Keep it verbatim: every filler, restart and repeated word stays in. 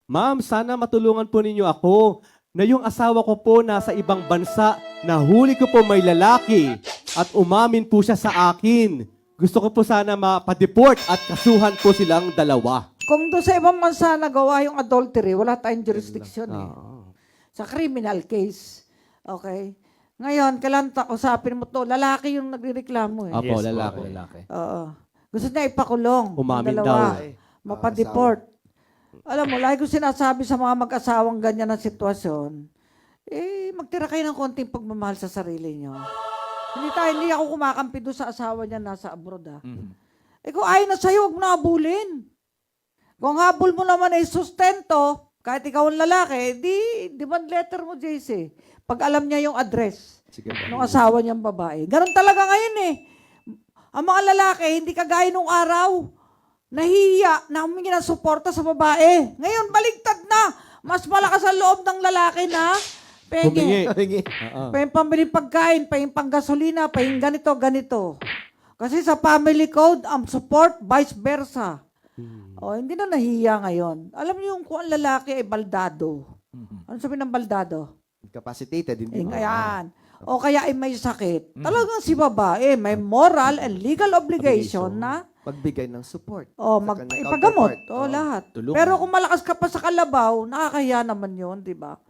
Ma'am, sana matulungan po ninyo ako na yung asawa ko po nasa ibang bansa, nahuli ko po may lalaki at umamin po siya sa akin. Gusto ko po sana mapadeport at kasuhan po silang dalawa. Kung doon sa ibang bansa nagawa yung adultery, wala tayong jurisdiction eh. Ah. Sa criminal case. Okay? Ngayon, kailangan ta- usapin mo to. Lalaki yung nagrereklamo eh. Apo, Yes, lalaki. po, lalaki. Oo. Gusto niya ipakulong. yung Umamin dalawa. daw. Mapadeport. Alam mo, lagi ko sinasabi sa mga mag-asawang ganyan na sitwasyon, eh, magtira kayo ng konting pagmamahal sa sarili nyo. Hindi tayo, hindi ako kumakampi doon sa asawa niya nasa abroad ah. Mhm. Eh kung ayaw na sa'yo, huwag mo na habulin. Kung habol mo naman ay sustento, kahit ikaw ang lalaki, di demand letter mo, J C. Pag alam niya yung address Sige ba? ng asawa niyang babae. Ganon talaga ngayon eh. Ang mga lalaki, hindi kagaya nung araw. Nahihiya na humingi ng suporta sa babae. Ngayon, baligtad na. Mas malakas ang loob ng lalaki na Humingi. penge. Hingi. Oo. Pa yung pambili pagkain, pa yung panggasolina, pa yung ganito, ganito. Kasi sa family code, ang support, vice versa. O, hindi na nahiya ngayon. Alam niyo yung kung ang lalaki ay baldado. Mhm. Ano sabi ng baldado? Incapacitated, hindi Eh, mo. ayan. O kaya ay may sakit. Talagang si babae may moral and legal obligation na Pagbigay ng support. o sa mag kanyang ipagamot. counterpart. O Oo. lahat. Tulungan. Pero kung malakas ka pa sa kalabaw, nakakahiya naman yun, di ba?